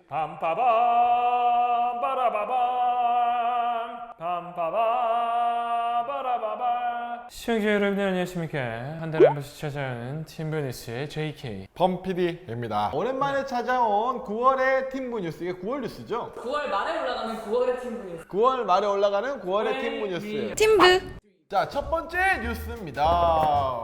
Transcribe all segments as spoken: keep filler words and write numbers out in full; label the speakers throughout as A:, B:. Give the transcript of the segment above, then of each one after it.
A: 빰빠밤 빠라바밤 빰빠밤 빠라바밤. 시청자 여러분 안녕하십니까. 한 달에 한 번씩 찾아오는 팀브뉴스의 제이케이
B: 범피디입니다. 오랜만에 찾아온 구월의 팀부 뉴스. 이게 구월 뉴스죠?
C: 구월 말에 올라가는 구월의 팀부 뉴스.
B: 구월 말에 올라가는 구월의 팀부 뉴스.
D: 팀브.
B: 자, 첫 번째 뉴스입니다.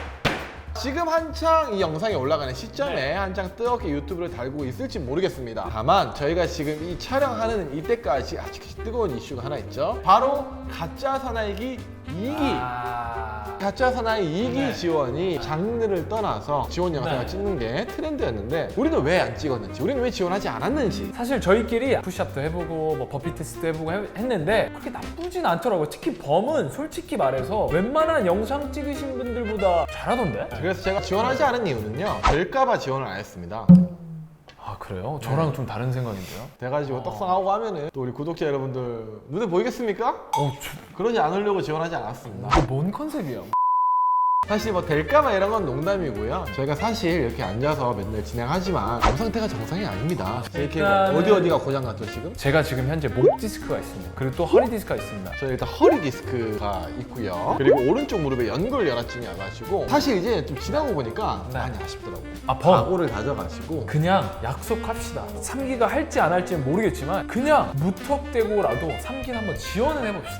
B: 지금 한창 이 영상이 올라가는 시점에
A: 네.
B: 한창 뜨겁게 유튜브를 달고 있을지 모르겠습니다. 다만 저희가 지금 이 촬영하는 이때까지 아직 뜨거운 이슈가 하나 있죠. 바로 가짜 사나이기 이 기.
A: 아...
B: 가짜 사나이 이 기
A: 네.
B: 지원이 장르를 떠나서 지원 영상을
A: 네.
B: 찍는 게 트렌드였는데 우리는 왜 안 찍었는지, 우리는 왜 지원하지 않았는지.
A: 사실 저희끼리 푸시업도 해보고 뭐 버피 테스트도 해보고 해- 했는데 그렇게 나쁘진 않더라고요. 특히 범은 솔직히 말해서 웬만한 영상 찍으신 분들보다 잘하던데?
B: 그래서 제가 지원하지 않은 이유는요, 될까봐 지원을 안 했습니다.
A: 아 그래요? 저랑 좀 다른 생각인데요?
B: 돼가지고 떡상하고 하면은 또 우리 구독자 여러분들 눈에 보이겠습니까?
A: 어, 저...
B: 그러지 않으려고 지원하지 않았습니다.
A: 이거 뭔 컨셉이야?
B: 사실 뭐 될까봐 이런 건 농담이고요. 저희가 사실 이렇게 앉아서 맨날 진행하지만 몸 상태가 정상이 아닙니다. 이렇게 뭐
A: 일단은-
B: 어디 어디가 고장났죠 지금?
A: 제가 지금 현재 목 디스크가 있습니다. 그리고 또 허리 디스크가 있습니다.
B: 저희 일단 허리 디스크가 있고요. 그리고 오른쪽 무릎에 연골 열화증이 와가지고 사실 이제 좀 지나고 보니까
A: 네.
B: 많이 아쉽더라고요.
A: 아 범!
B: 각오를 다져가지고
A: 그냥 약속합시다. 삼 기가 할지 안 할지는 모르겠지만 그냥 무턱대고라도 삼 기는 한번 지원을 해봅시다.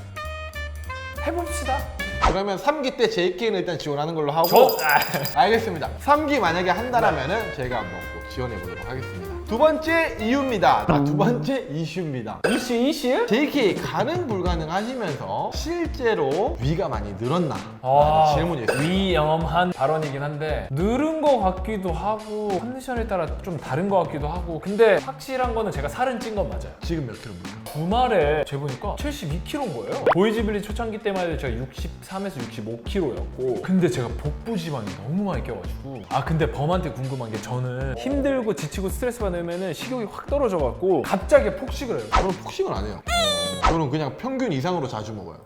A: 해봅시다.
B: 그러면 삼 기 때 제이케이는 일단 지원하는 걸로 하고.
A: 저...
B: 알겠습니다. 삼 기 만약에 한다라면은 저희가 한번 꼭 지원해 보도록 하겠습니다. 두 번째 이유입니다. 아, 두 번째 이슈입니다.
A: 이슈 이슈?
B: 제이케이 가능 불가능하시면서 실제로 위가 많이 늘었나?
A: 아,
B: 라는 질문이 있어요.
A: 위험한 발언이긴 한데 늘은 것 같기도 하고 컨디션에 따라 좀 다른 것 같기도 하고 근데 확실한 거는 제가 살은 찐 건 맞아요.
B: 지금 몇 킬로입니까?
A: 주말에 재보니까 칠십이 킬로인 거예요. 보이지빌리 초창기 때만 해도 제가 육십삼에서 육십오 킬로였고 근데 제가 복부 지방이 너무 많이 껴가지고 아 근데 범한테 궁금한 게 저는 힘들고 지치고 스트레스 받으면 식욕이 확 떨어져갖고 갑자기 폭식을 해요.
B: 저는 폭식을 안 해요. 저는 그냥 평균 이상으로 자주 먹어요.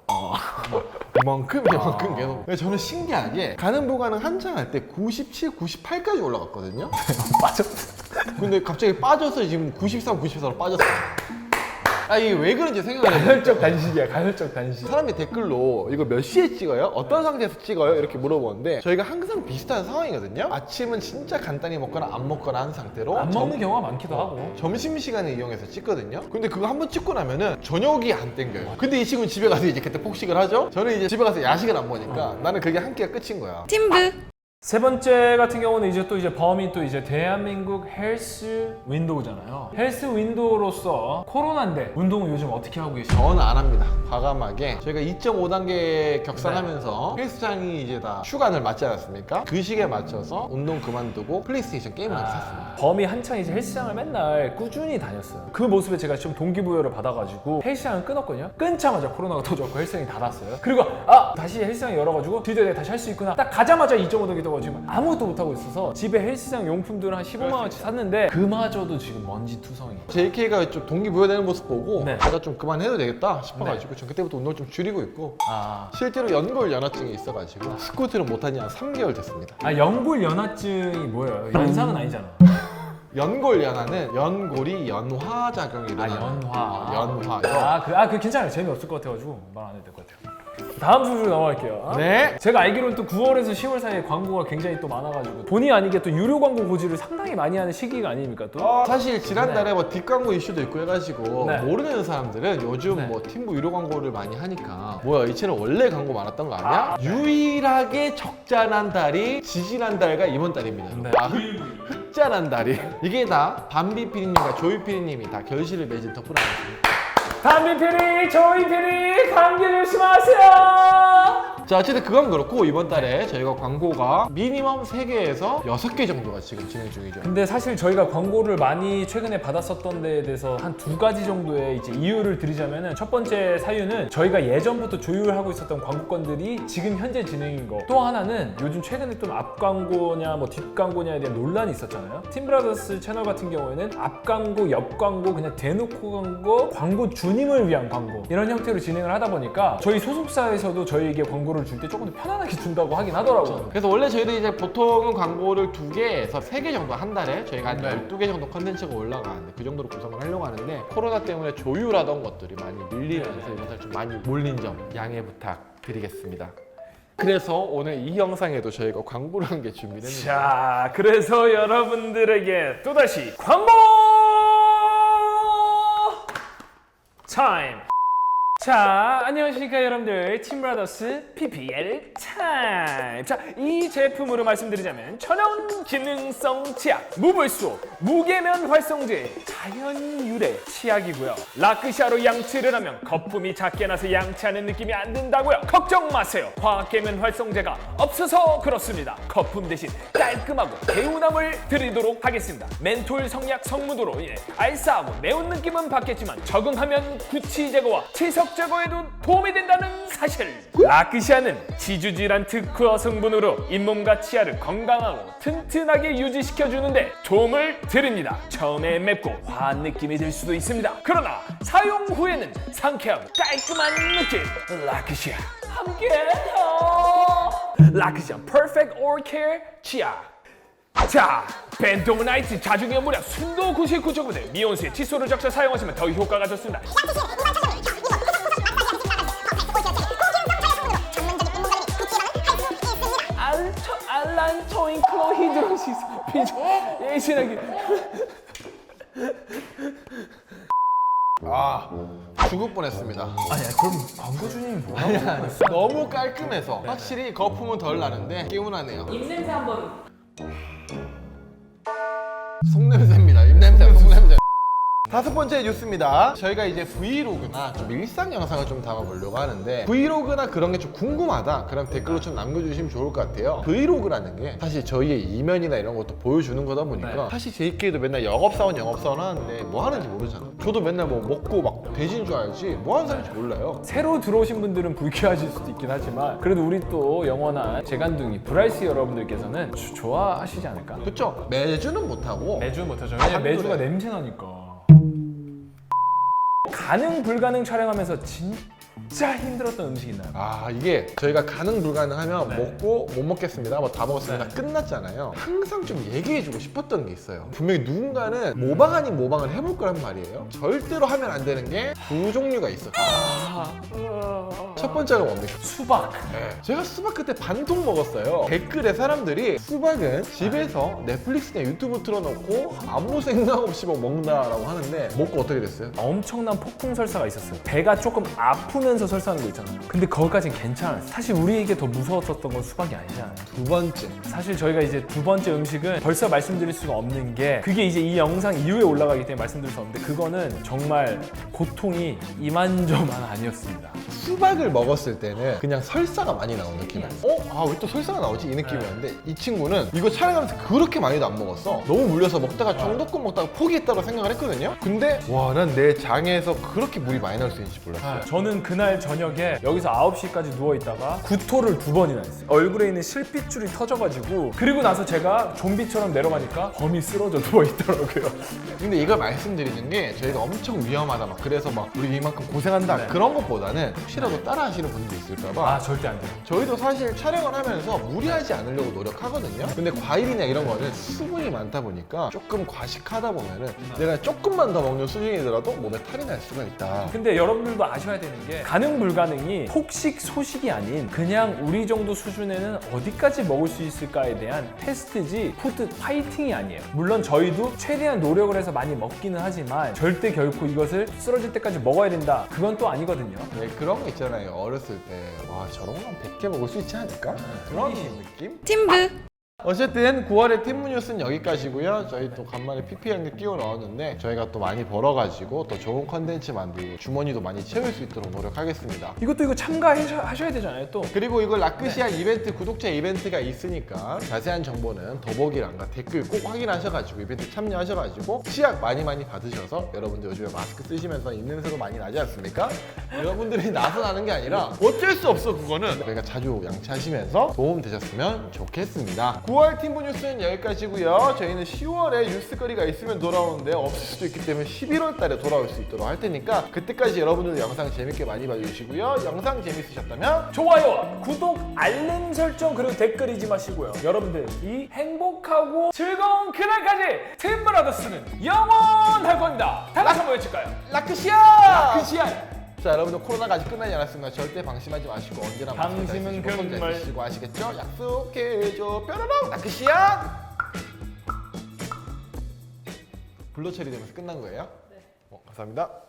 B: 이만큼 이만큼 계속. 근데 저는 신기하게 가능 불가능 한창 할 때 구십칠, 구십팔까지 올라갔거든요.
A: 빠졌어.
B: 근데 갑자기 빠져서 지금 구십삼, 구십사로 빠졌어요. 아 이게 왜 그런지 생각을 해요.
A: 가혈적 단식이야. 가혈적 단식.
B: 사람이 댓글로 이거 몇 시에 찍어요? 어떤 상태에서 찍어요? 이렇게 물어보는데 저희가 항상 비슷한 상황이거든요. 아침은 진짜 간단히 먹거나 안 먹거나 한 상태로
A: 안 먹는
B: 점-
A: 경우가 많기도 하고.
B: 점심시간을 이용해서 찍거든요. 근데 그거 한번 찍고 나면은 저녁이 안 땡겨요. 근데 이 친구는 집에 가서 이제 그때 폭식을 하죠. 저는 이제 집에 가서 야식을 안 먹으니까 나는 그게 한 끼가 끝인 거야.
D: 팀브.
A: 세 번째 같은 경우는 이제 또 이제 범이 또 이제 대한민국 헬스 윈도우잖아요. 헬스 윈도우로서 코로나인데 운동은 요즘 어떻게 하고 계시죠?
B: 저는 안 합니다. 과감하게 저희가 이 점 오 단계 격상하면서 헬스장이 이제 다 휴관을 맞지 않았습니까? 그 시기에 맞춰서 운동 그만두고 플레이스테이션 게임을 하나 샀습니다.
A: 범이 한창 이제 헬스장을 맨날 꾸준히 다녔어요. 그 모습에 제가 좀 동기부여를 받아가지고 헬스장을 끊었거든요. 끊자마자 코로나가 터졌고 헬스장이 닫았어요. 그리고 아 다시 헬스장이 열어가지고 드디어 내가 다시 할 수 있구나. 딱 가자마자 이 점 오 단계 떠가지고 아무것도 못하고 있어서 집에 헬스장 용품들을 한 십오만 원치 샀는데 그마저도 지금 먼지 투성이.
B: 제이케이가 좀 동기부여되는 모습 보고
A: 네.
B: 제가 좀 그만해도 되겠다 싶어가지고 전 그때부터 운동을 좀 줄이고 있고
A: 아,
B: 실제로 연골 연화증이 있어가지고 스쿼트를 못한 지 한 삼 개월 됐습니다.
A: 아 연골 연화증이 뭐예요? 연상은 아니잖아.
B: 연골 연화는 연골이 연화 작용이
A: 아
B: 일어나는
A: 연화.
B: 어, 연화.
A: 아, 그, 아, 그 괜찮아요. 재미없을 것 같아가지고 말 안 해도 될 것 같아요. 다음 소식으로 넘어갈게요.
B: 네.
A: 제가 알기로는 또 구월에서 시월 사이에 광고가 굉장히 또 많아가지고 본의 아니게 또 유료 광고 고지를 상당히 많이 하는 시기가 아닙니까 또?
B: 어, 사실 지난달에 뭐 뒷광고 이슈도 있고 해가지고
A: 네.
B: 모르는 사람들은 요즘
A: 네.
B: 뭐 팀부 유료 광고를 많이 하니까 뭐야 이 채널 원래 광고 많았던 거 아니야? 유일하게 적자난 달이 지지난 달과 이번 달입니다.
A: 네.
B: 아, 흑, 흑자난 달이 이게 다 밤비 피디님과 조이 피디님이 다 결실을 맺은 덕분 아니겠습니까?
A: 담비 피리, 조이 피리, 감기 조심하세요.
B: 자 어쨌든 그건 그렇고 이번 달에 저희가 광고가 미니멈 세 개에서 여섯 개 정도가 지금 진행 중이죠.
A: 근데 사실 저희가 광고를 많이 최근에 받았었던 데에 대해서 한 두 가지 정도의 이제 이유를 드리자면은 첫 번째 사유는 저희가 예전부터 조율하고 있었던 광고건들이 지금 현재 진행인 거. 또 하나는 요즘 최근에 좀 앞 광고냐 뭐 뒷 광고냐에 대한 논란이 있었잖아요. 팀브라더스 채널 같은 경우에는 앞 광고, 옆 광고 그냥 대놓고 광고, 광고 주 주님을 위한 광고 이런 형태로 진행을 하다 보니까 저희 소속사에서도 저희에게 광고를 줄 때 조금 더 편안하게 준다고 하긴 하더라고요.
B: 그래서 원래 저희도 이제 보통은 광고를 두 개에서 세 개 정도 한 달에 저희가 한
A: 네.
B: 열두 개 정도 컨텐츠가 올라가는데 그 정도로 구성을 하려고 하는데 코로나 때문에 조율하던 것들이 많이 밀리면서
A: 네.
B: 이번 달 좀 많이 몰린 점 양해 부탁드리겠습니다. 그래서 오늘 이 영상에도 저희가 광고를 한 게 준비됐는데
A: 자, 그래서 여러분들에게 또다시 광고 타임! 자, 안녕하십니까 여러분들, 팀브라더스 피피엘 타임! 자, 이 제품으로 말씀드리자면 천연 기능성 치약 무불소 무계면 활성제 자연 유래 치약이고요. 라크샤로 양치를 하면 거품이 작게 나서 양치하는 느낌이 안 든다고요? 걱정 마세요. 화학계면 활성제가 없어서 그렇습니다. 거품 대신 깔끔하고 개운함을 드리도록 하겠습니다. 멘톨 성약 성무도로 인해 알싸하고 매운 느낌은 받겠지만 적응하면 구취 제거와 치석 제거에도 도움이 된다는 사실. 라크시아는 지주질환 특허 성분으로 잇몸과 치아를 건강하고 튼튼하게 유지시켜주는데 도움을 드립니다. 처음에 맵고 화한 느낌이 들 수도 있습니다. 그러나 사용 후에는 상쾌하고 깔끔한 느낌. 라크시아 함께해요. 라크시아 퍼펙트 오럴 케어 치아. 자, 벤토모나이트 자중의 무려 순도 구십구 점 구 대 미온수의 칫솔을 적셔 사용하시면 더 효과가 좋습니다. 알토, 알란토인 클로히드로시스 비조 예신하기.
B: 아 죽을 뻔했습니다.
A: 아니야, 그럼 광고 주님이 뭐라고 했어?
B: 너무 깔끔해서 확실히 거품은 덜 나는데 개운하네요.
C: 입냄새 한번.
B: 속냄새입니다. 입냄새, 속냄새. 다섯 번째 뉴스입니다. 저희가 이제 브이로그나 좀 일상 영상을 좀 담아보려고 하는데 브이로그나 그런 게 좀 궁금하다. 그럼 댓글로 좀 남겨주시면 좋을 것 같아요. 브이로그라는 게 사실 저희의 이면이나 이런 것도 보여주는 거다 보니까
A: 네.
B: 사실 저희끼리도 맨날 영업사원 영업사원 하는데 뭐 하는지 모르잖아. 저도 맨날 뭐 먹고 막 돼지인 줄 알지 뭐 하는 사람인지 몰라요.
A: 새로 들어오신 분들은 불쾌하실 수도 있긴 하지만 그래도 우리 또 영원한 재간둥이 브라이스 여러분들께서는 주- 좋아하시지 않을까?
B: 그쵸? 매주는 못하고
A: 매주 못하죠. 왜냐면
B: 한두
A: 매주가
B: 해.
A: 냄새 나니까. 가능 불가능 촬영하면서 진짜 힘들었던 음식 있나요?
B: 아 이게 저희가 가능 불가능하면
A: 네.
B: 먹고 못 먹겠습니다 뭐 다 먹었습니다
A: 네.
B: 끝났잖아요. 항상 좀 얘기해주고 싶었던 게 있어요. 분명히 누군가는 모방 아닌 모방을 해볼 거란 말이에요. 절대로 하면 안 되는 게 두 종류가 있어요. 첫 번째가 뭡니까?
A: 수박.
B: 네. 제가 수박 그때 반통 먹었어요. 댓글에 사람들이 수박은 집에서 넷플릭스나 유튜브 틀어놓고 아무 생각 없이 뭐 먹는다라고 하는데 먹고 어떻게 됐어요?
A: 엄청난 폭풍 설사가 있었어요. 배가 조금 아프면서 설사하는 거 있잖아요. 근데 거기까진 괜찮았어요. 사실 우리에게 더 무서웠었던 건 수박이 아니잖아요.
B: 두 번째
A: 사실 저희가 이제 두 번째 음식은 벌써 말씀드릴 수가 없는 게 그게 이제 이 영상 이후에 올라가기 때문에 말씀드릴 수 없는데 그거는 정말 고통이 이만저만 아니었습니다.
B: 수박을 먹었을 때는 그냥 설사가 많이 나온 느낌이야. 어? 아 왜 또 설사가 나오지? 이 느낌이었는데 이 친구는 이거 촬영하면서 그렇게 많이도 안 먹었어. 너무 물려서 먹다가 정도껏 먹다가 포기했다고 생각을 했거든요. 근데 와 난 내 장에서 그렇게 물이 많이 나올 수 있는지 몰랐어요.
A: 저는 그날 저녁에 여기서 아홉 시까지 누워있다가 구토를 두 번이나 했어요. 얼굴에 있는 실핏줄이 터져가지고 그리고 나서 제가 좀비처럼 내려가니까 범이 쓰러져 누워있더라고요.
B: 근데 이걸 말씀드리는 게 저희가 엄청 위험하다 막 그래서 막 우리 이만큼 고생한다
A: 네.
B: 그런 것보다는 혹시라도 따라 하시는 분들이 있을까봐
A: 아 절대 안 돼요.
B: 저희도 사실 촬영을 하면서 무리하지 않으려고 노력하거든요. 근데 과일이나 이런 거는 수분이 많다 보니까 조금 과식하다 보면은 내가 조금만 더 먹는 수준이더라도 몸에 탈이 날 수가 있다.
A: 근데 여러분들도 아셔야 되는 게 가능 불가능이 폭식 소식이 아닌 그냥 우리 정도 수준에는 어디까지 먹을 수 있을까에 대한 테스트지 푸드 파이팅이 아니에요. 물론 저희도 최대한 노력을 해서 많이 먹기는 하지만 절대 결코 이것을 쓰러질 때까지 먹어야 된다 그건 또 아니거든요.
B: 네, 그런 거 있잖아요. 어렸을 때 와 저런 건 백 개 먹을 수 있지 않을까? 그런 느낌?
C: 팀브.
B: 어쨌든 구월의 팀무 뉴스는 여기까지고요. 저희 또 간만에 피피 한개 끼워 넣었는데 저희가 또 많이 벌어가지고 또 좋은 컨텐츠 만들고 주머니도 많이 채울 수 있도록 노력하겠습니다.
A: 이것도 이거 참가하셔야 되잖아요 또.
B: 그리고 이걸 라크시아 이벤트 구독자 이벤트가 있으니까 자세한 정보는 더보기란과 댓글 꼭 확인하셔가지고 이벤트 참여하셔가지고 치약 많이 많이 받으셔서 여러분들 요즘에 마스크 쓰시면서 입냄새도 많이 나지 않습니까? 여러분들이 나서 나는 게 아니라 어쩔 수 없어 그거는 저희가 자주 양치하시면서 도움 되셨으면 좋겠습니다. 구월 팀부 뉴스는 여기까지고요. 저희는 시월에 뉴스거리가 있으면 돌아오는데 없을 수도 있기 때문에 십일월 달에 돌아올 수 있도록 할 테니까 그때까지 여러분들도 영상 재밌게 많이 봐주시고요. 영상 재밌으셨다면
A: 좋아요와 구독, 알림 설정 그리고 댓글 잊지 마시고요. 여러분들이 행복하고 즐거운 그날까지 팀브라더스는 영원할 겁니다. 다 같이 한번 외칠까요?
B: 라크시아!
A: 크시안!
B: 자, 여러분들 코로나가 아직 끝나지 않았습니다. 절대 방심하지 마시고 언제나 마스크 잘
A: 방심은
B: 쓰시고 손 잘
A: 금물.
B: 쓰시고 아시겠죠? 약속해줘 뾰로롱 라크시아! 블루 처리되면서 끝난 거예요?
C: 네.
B: 어, 감사합니다.